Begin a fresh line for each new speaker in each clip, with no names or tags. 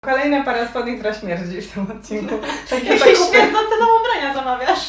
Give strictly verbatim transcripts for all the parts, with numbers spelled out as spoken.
Kolejna para spodni, która śmierdzi w tym odcinku. Takie
Jakieś
zakupy.
śmierdzące nam ubrania zamawiasz.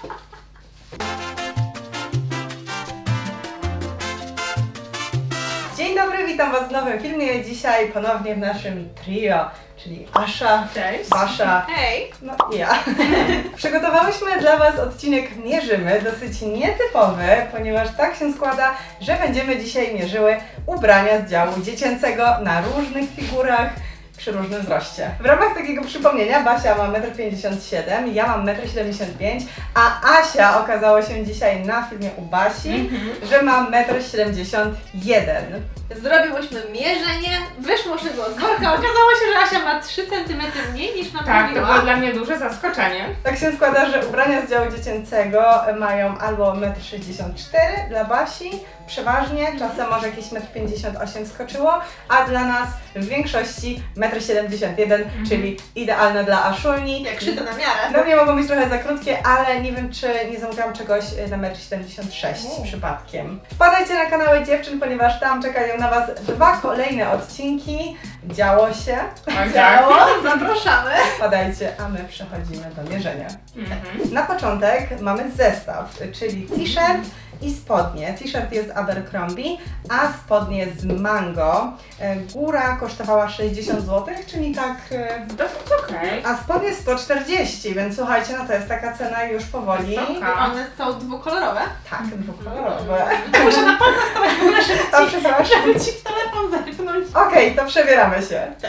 Dzień dobry, witam Was w nowym filmie. Dzisiaj ponownie w naszym trio, czyli Asza,
Cześć.
Basza,
Hej!
no i ja. Przygotowałyśmy dla Was odcinek Mierzymy, dosyć nietypowy, ponieważ tak się składa, że będziemy dzisiaj mierzyły ubrania z działu dziecięcego na różnych figurach, przy różnym wzroście. W ramach takiego przypomnienia Basia ma metr pięćdziesiąt siedem, ja mam metr siedemdziesiąt pięć, a Asia okazało się dzisiaj na filmie u Basi,
Mhm.
że ma metr siedemdziesiąt jeden.
Zrobiłyśmy mierzenie, wyszło szybko z worka, okazało się, że Asia ma trzy centymetry mniej niż nam
Tak, to
mówiła.
było dla mnie duże zaskoczenie.
Tak się składa, że ubrania z działu dziecięcego mają albo metr sześćdziesiąt cztery dla Basi, przeważnie, czasem może jakieś metr pięćdziesiąt osiem skoczyło, a dla nas w większości metr siedemdziesiąt jeden,
Mhm.
czyli idealne dla Aszulni.
Jak szyte na miarę.
Dla mnie mogą być trochę za krótkie, ale nie wiem, czy nie zamówiłam czegoś na metr siedemdziesiąt sześć
U.
przypadkiem. Wpadajcie na kanały dziewczyn, ponieważ tam czekają na Was dwa kolejne odcinki. Działo się.
Tak,
Działo, zapraszamy.
Wpadajcie, a my przechodzimy do mierzenia.
Mhm.
Na początek mamy zestaw, czyli t-shirt i spodnie. T-shirt jest Abercrombie, a spodnie z Mango. E, Góra kosztowała sześćdziesiąt złotych, czyli tak... e,
Dosyć okej.
A spodnie sto czterdzieści, więc słuchajcie, no to jest taka cena już powoli.
Wysoka.
One są dwukolorowe.
Tak, dwukolorowe.
Muszę na palcach stawać w ogóle, żeby
To
ci,
przepraszam.
żeby ci w telefon zerknąć.
Okej, to przebieramy się.
Tak.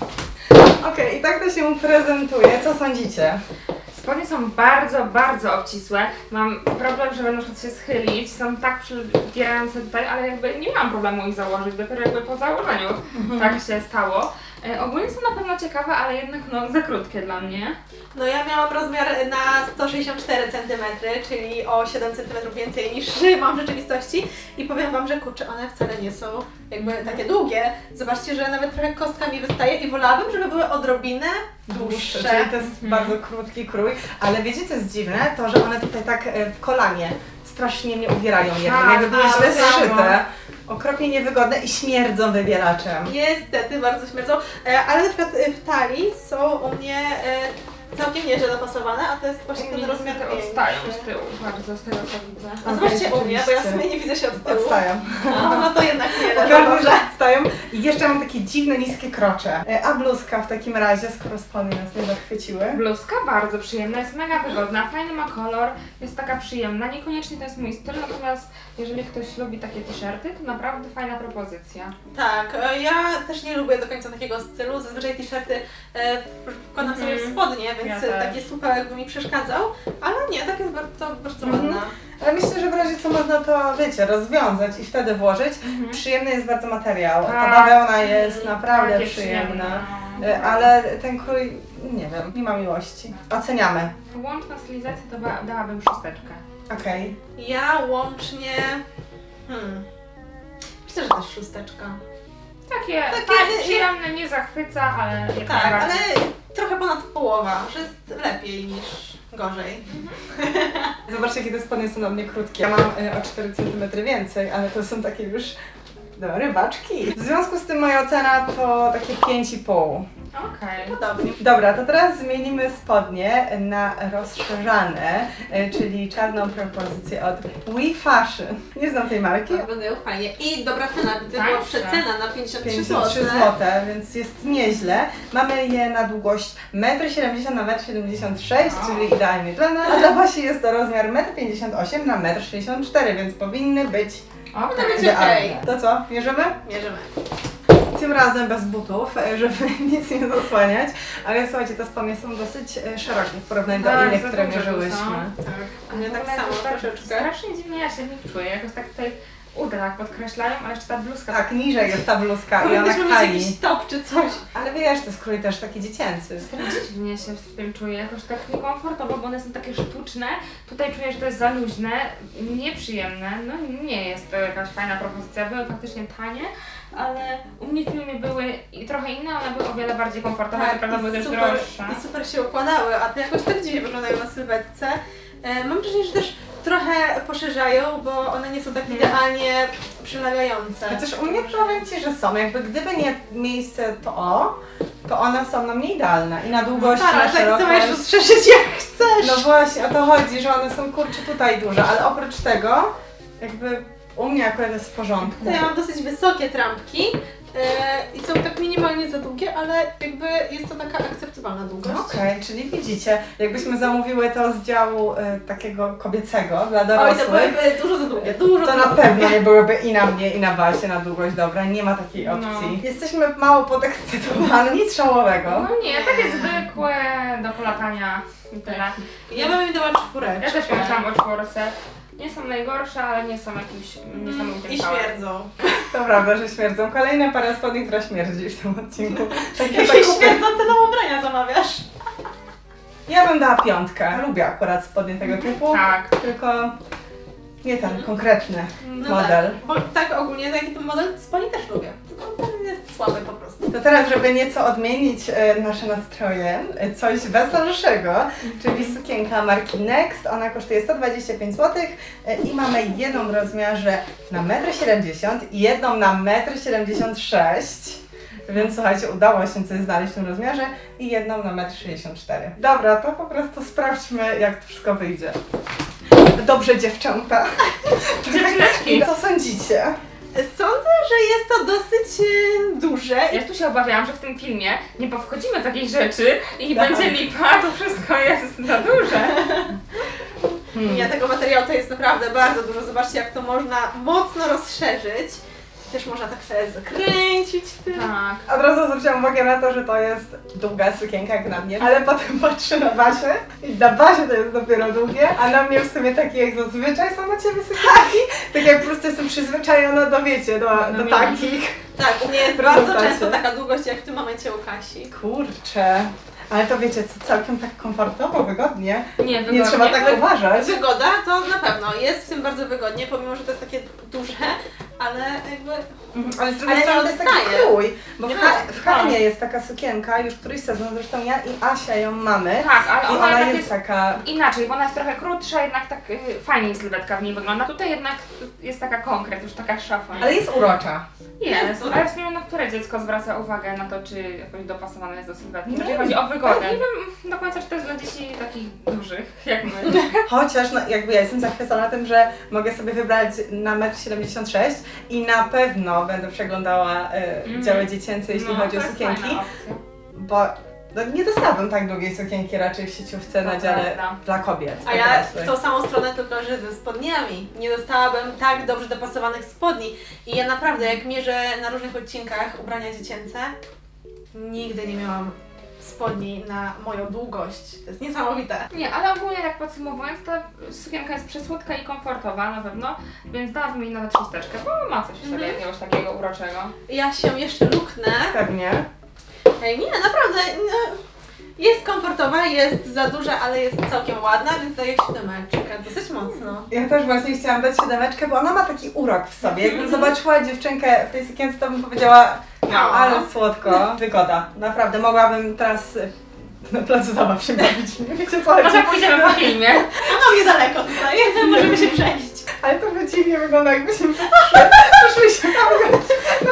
Okej, i tak to się prezentuje. Co sądzicie?
Spodnie są bardzo, bardzo obcisłe. Mam problem, żeby na przykład się schylić. Są tak przybierające tutaj, ale jakby nie mam problemu ich założyć. Dopiero jakby po założeniu tak się stało. E, ogólnie są na pewno ciekawe, ale jednak no za krótkie dla mnie.
No ja miałam rozmiar na sto sześćdziesiąt cztery centymetry, czyli o siedem centymetrów więcej niż mam w rzeczywistości. I powiem Wam, że kurczę, one wcale nie są jakby takie długie. Zobaczcie, że nawet trochę kostka mi wystaje i wolałabym, żeby były odrobinę dłuższe.
Czyli to jest bardzo krótki krój, ale wiecie co jest dziwne? To, że one tutaj tak e, w kolanie strasznie mnie uwierają jednym,
Tak,
jakby były
tak,
źle
tak.
zszyte, okropnie niewygodne i śmierdzą wybielaczem.
Niestety, bardzo śmierdzą, e, ale na przykład e, w talii są u mnie e, całkiem nieźle dopasowane, a to jest właśnie ten rozmiar
Niestety
większy.
odstają z tyłu bardzo z tego co widzę.
A zobaczcie
Okej,
u mnie, bo ja w
rzeczywiście.
sumie nie widzę się od tyłu.
Odstają.
No, no to jednak nie, no to
Ogarnę,
dobrze.
że odstają. I jeszcze mam takie dziwne, niskie krocze. E, A bluzka w takim razie, skoro spodnie nas nie zachwyciły.
Bluzka bardzo przyjemna, jest mega wygodna, fajny ma kolor, jest taka przyjemna. Niekoniecznie to jest mój styl, natomiast jeżeli ktoś lubi takie t-shirty, to naprawdę fajna propozycja.
Tak, e, ja też nie lubię do końca takiego stylu, zazwyczaj t-shirty e, wkładam sobie w
Mhm.
spodnie, więc
Ja
e,
też.
taki słupek jakby mi przeszkadzał, ale nie, tak jest bardzo, bardzo
Mhm.
ładna.
Ale myślę, że w razie co można to, wiecie, rozwiązać i wtedy włożyć.
Mhm.
Przyjemny jest bardzo materiał. Ta
Tak.
bawełna jest naprawdę
Takie
przyjemna.
przyjemne.
E, Ale ten krój, nie wiem, nie ma miłości. Oceniamy.
Łączna stylizacja to ba- dałabym szósteczkę.
Okej.
Ja łącznie, hmm, myślę, że też szósteczka.
Takie,
Takie
fajne,
jest-
przyjemne, nie zachwyca, ale jak
Tak, ale
najbardziej.
trochę ponad połowa, że jest lepiej niż gorzej.
Zobaczcie, jakie te spodnie są na mnie krótkie. Ja mam e, o cztery centymetry więcej, ale to są takie już no, rybaczki. W związku z tym moja ocena to takie pięć i pół.
Okej.
Podobnie.
Dobra, to teraz zmienimy spodnie na rozszerzane, e, czyli czarną propozycję od We Fashion. Nie znam tej marki.
Wyglądają fajnie. I dobra cena, widzę,
Tańsze.
była przecena na pięćdziesiąt trzy
pięćdziesiąt trzy
złote.
złote, więc jest nieźle. Mamy je na długość metr siedemdziesiąt na metr siedemdziesiąt sześć,
O.
czyli idealnie dla nas. Dla Basi jest to rozmiar metr pięćdziesiąt osiem na metr sześćdziesiąt cztery, więc powinny być
Okej.
Będzie
idealne.
okej.
To co, mierzymy?
Mierzymy.
Tym razem bez butów, e, żeby nic nie zasłaniać, ale słuchajcie, te spodnie są dosyć e, szerokie w porównaniu do
Tak,
innych,
za
które
duże tu
mierzyłyśmy.
są.
Tak.
A
U mnie
w
tak
ogóle
samo
jakoś tak
troszeczkę.
Strasznie dziwnie ja się w nich czuję, jakoś tak tutaj uda tak podkreślają, a jeszcze ta bluzka
Tak, niżej jest ta bluzka i ona
Powinniśmy mieć
kali.
jakiś top czy coś.
Ale wiesz, to jest krój też taki dziecięcy.
tak dziwnie się w tym czuję, jakoś tak niekomfortowo, bo one są takie sztuczne. Tutaj czuję, że to jest za luźne, nieprzyjemne. No nie jest to jakaś fajna propozycja, były faktycznie tanie, ale u mnie w filmie były i trochę inne, one były o wiele bardziej komfortowe, co prawda były
Tak, i
też
super,
droższe.
i super się układały, a te jakoś tak dziwnie wyglądają na sylwetce. E, mam wrażenie, że też trochę poszerzają, bo one nie są tak idealnie przylegające.
Chociaż u mnie powiem Ci, że są. Jakby gdyby nie miejsce to o, to one są na mnie idealne. I na długość, i
Stara,
na
tak co
szerokość.
możesz rozszerzyć jak chcesz.
No właśnie, o to chodzi, że one są kurczę tutaj duże, ale oprócz tego jakby u mnie akurat jest w porządku.
To ja mam dosyć wysokie trampki e, i są tak minimalnie za długie, ale jakby jest to taka akceptowalna długość.
Okej, czyli widzicie, jakbyśmy zamówiły to z działu y, takiego kobiecego dla
Oj,
dorosłych,
to byłyby dużo za długie, dużo
to
za
na
długie.
pewno nie byłyby i na mnie, i na Basie na długość dobra, nie ma takiej
No.
opcji. Jesteśmy mało podekscytowane, nic szałowego.
No nie, takie zwykłe do polatania i tyle.
Ja bym im dała czwóreczkę.
Ja też pomyślałam o czwórce. Nie są najgorsze, ale nie są jakimś niesamowitym
I
kawałem.
śmierdzą.
To prawda, że śmierdzą. Kolejna para spodni, która śmierdzi w tym odcinku. Takie
Jakieś
zakupy.
śmierdzące do ubrania zamawiasz.
Ja bym dała piątkę. Lubię akurat spodnie tego typu,
Tak.
tylko nie ten konkretny
No
model.
Tak, bo tak ogólnie taki ten model spodni też lubię. Tylko ten jest słaby po prostu.
To teraz, żeby nieco odmienić e, nasze nastroje, e, coś weselszego, czyli sukienka marki Next. Ona kosztuje sto dwadzieścia pięć złotych e, i mamy jedną w rozmiarze na metr siedemdziesiąt m i jedną na metr siedemdziesiąt sześć m. Więc słuchajcie, udało się coś znaleźć w tym rozmiarze i jedną na metr sześćdziesiąt cztery m. Dobra, to po prostu sprawdźmy, jak to wszystko wyjdzie. Dobrze, dziewczęta.
Dziewczyneczki.
Co sądzicie?
Sądzę, że jest to dosyć e, duże.
Ja tu się obawiałam, że w tym filmie nie powchodzimy w jakieś rzeczy i
Tak.
będzie lipa, to wszystko jest za duże.
Hmm.
Ja tego materiału to jest naprawdę bardzo dużo. Zobaczcie, jak to można mocno rozszerzyć. Też można tak sobie zakręcić tym.
Tak.
Od razu zwróciłam uwagę na to, że to jest długa sukienka jak na mnie, ale potem patrzę na Basię i na Basie to jest dopiero długie, a na mnie w sumie takie jak zazwyczaj są na Ciebie sukienki. Tak jak po prostu jestem przyzwyczajona do, wiecie, do,
No,
do
nie.
takich.
Tak, u mnie jest
W
bardzo
rezultacie.
często taka długość, jak w tym momencie u Kasi.
Kurczę, ale to wiecie, co całkiem tak komfortowo, wygodnie.
Nie, wygodnie.
Nie trzeba tak uważać.
Wygoda to na pewno jest w tym bardzo wygodnie, pomimo że to jest takie duże, ale jakby
Mhm, ale z drugiej
Ale
strony
nie
to jest taki
odstaje.
krój, bo w,
Nie
ha-
ma-
w Halimie jest taka sukienka, już któryś sezon, zresztą ja i Asia ją mamy.
Tak, ale
I
ona,
ona
jednak
jest
jest
taka.
inaczej, bo ona jest trochę krótsza, jednak tak y, fajniej sylwetka w niej wygląda. Tutaj jednak jest taka konkret, już taka szafa.
Ale jest urocza.
Jest,
Jest.
ale w sumie na które dziecko zwraca uwagę na to, czy jakoś dopasowane jest do sylwetki.
Nie.
Jeżeli chodzi o wygodę. Nie wiem do końca, czy to jest dla dzieci takich dużych, jak my.
Chociaż no, jakby ja jestem zachwycona tym, że mogę sobie wybrać na metr siedemdziesiąt sześć i na pewno będę przeglądała y,
Mhm.
działy dziecięce, jeśli
No,
chodzi
to
o
jest
sukienki,
fajna opcja.
bo no, nie dostałabym tak długiej sukienki raczej w sieciówce na
To
dziale
prawda.
dla kobiet.
A ja
dorosłych.
w tą samą stronę, tylko że ze spodniami. Nie dostałabym tak dobrze dopasowanych spodni. I ja naprawdę, jak mierzę na różnych odcinkach ubrania dziecięce, nigdy nie miałam spodni na moją długość. To jest niesamowite.
Nie, ale ogólnie tak podsumowując, ta sukienka jest przesłodka i komfortowa na pewno, więc dałabym jej nawet szósteczkę, bo ma coś w sobie
Mhm.
jakiegoś takiego uroczego.
Ja się jeszcze luknę.
Pewnie.
Ej, nie, naprawdę. No, jest komfortowa, jest za duża, ale jest całkiem ładna, więc daję siódemeczkę. Dosyć mocno.
Ja też właśnie chciałam dać siódemeczkę, bo ona ma taki urok w sobie. Jakbym
Mhm.
zobaczyła dziewczynkę w tej sukience, to bym powiedziała, no
No.
ale słodko, wygoda. Naprawdę, mogłabym teraz y, na placu zabaw się bawić, nie wiecie co chodzi.
Może pójdziemy po filmie.
A mam niedaleko tutaj, możemy się przejść.
Ale to by dziwnie wygląda, jakbyśmy poszły się bawić.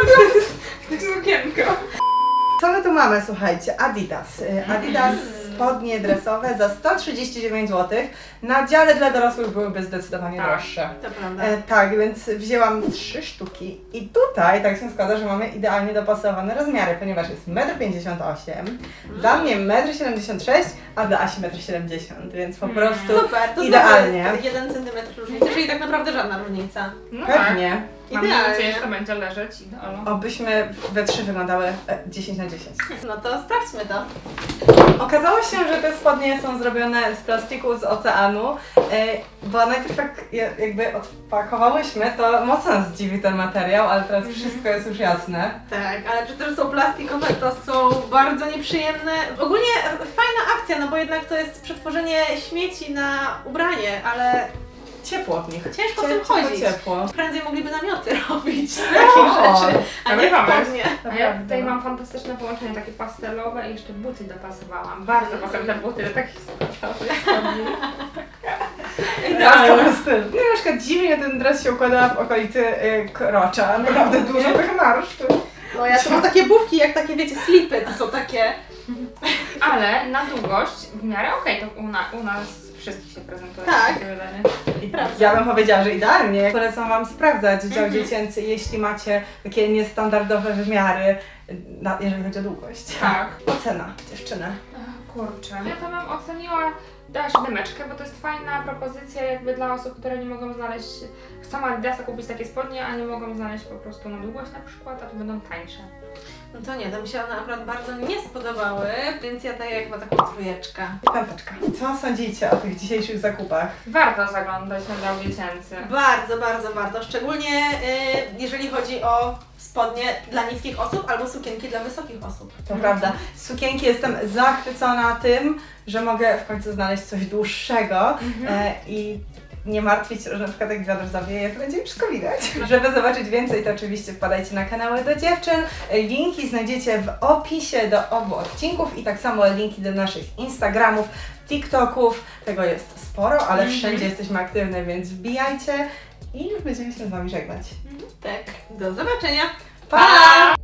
Sukienko.
Co my tu mamy, słuchajcie? Adidas. Y, Adidas spodnie dresowe za sto trzydzieści dziewięć złotych. Na dziale dla dorosłych byłyby zdecydowanie
Tak.
droższe.
To prawda.
E, tak, więc wzięłam trzy sztuki i tutaj tak się składa, że mamy idealnie dopasowane rozmiary, ponieważ jest metr pięćdziesiąt osiem, dla mnie metr siedemdziesiąt sześć, a dla Asi metr siedemdziesiąt, więc po
Mm.
prostu
Super, to
idealnie.
znowu jest jeden centymetr różnicy, czyli tak naprawdę żadna różnica.
No
pewnie.
tak. Mam
Idealnie.
nadzieję, że to będzie leżeć idealnie.
Obyśmy we trzy wyglądały e, dziesięć na dziesięć.
No to sprawdźmy to.
Okazało się, że te spodnie są zrobione z plastiku z oceanu, e, bo najpierw jak je- jakby odpakowałyśmy, to mocno nas dziwi ten materiał, ale teraz wszystko jest już jasne.
Tak, ale że też są plastikowe, to są bardzo nieprzyjemne. Ogólnie fajna akcja, no bo jednak to jest przetworzenie śmieci na ubranie, ale
Ciepło w nich.
ciężko w tym
Ciepło,
chodzić.
ciepło.
Prędzej mogliby namioty robić z takich
O,
rzeczy, a nie
dobry pomysł.
spodnie.
A ja tutaj mam fantastyczne połączenie, takie pastelowe i jeszcze buty dopasowałam. Bardzo pasowne buty do takich sportowych spodni.
Laska ma styl. No na przykład dziwnie ten dres się układa w okolicy y, krocza. Naprawdę dużo tych marszczów.
No ja to mam takie bufki, jak takie, wiecie, slipy, to są takie...
Ale na długość w miarę okej, to u, na, u nas wszystkich się prezentuje.
Tak.
takie wydanie.
Prawda.
Ja bym powiedziała, że idealnie. Polecam Wam sprawdzać dział
Mhm.
dziecięcy, jeśli macie takie niestandardowe wymiary, na, jeżeli chodzi o długość.
Tak.
Ocena dziewczyny.
Ach, kurczę. Ja to bym oceniła też dymeczkę, bo to jest fajna propozycja jakby dla osób, które nie mogą znaleźć, chcą Adidasa kupić takie spodnie, a nie mogą znaleźć po prostu na długość na przykład, a to będą tańsze.
No to nie, to mi się one akurat bardzo nie spodobały, więc ja daję chyba taką trójeczkę.
Piąteczka. Co sądzicie o tych dzisiejszych zakupach?
Warto zaglądać na dział dziecięcy.
Bardzo, bardzo warto, szczególnie y, jeżeli chodzi o spodnie dla niskich osób albo sukienki dla wysokich osób.
To prawda. Z sukienki jestem zachwycona tym, że mogę w końcu znaleźć coś dłuższego e, i nie martwić się, że na przykład jak wiatr zawieje, to będzie wszystko widać. Żeby zobaczyć więcej, to oczywiście wpadajcie na kanały do dziewczyn. Linki znajdziecie w opisie do obu odcinków i tak samo linki do naszych Instagramów, TikToków. Tego jest sporo, ale
Mhm.
wszędzie jesteśmy aktywne, więc wbijajcie i już będziemy się z Wami żegnać.
Tak, do zobaczenia.
Pa!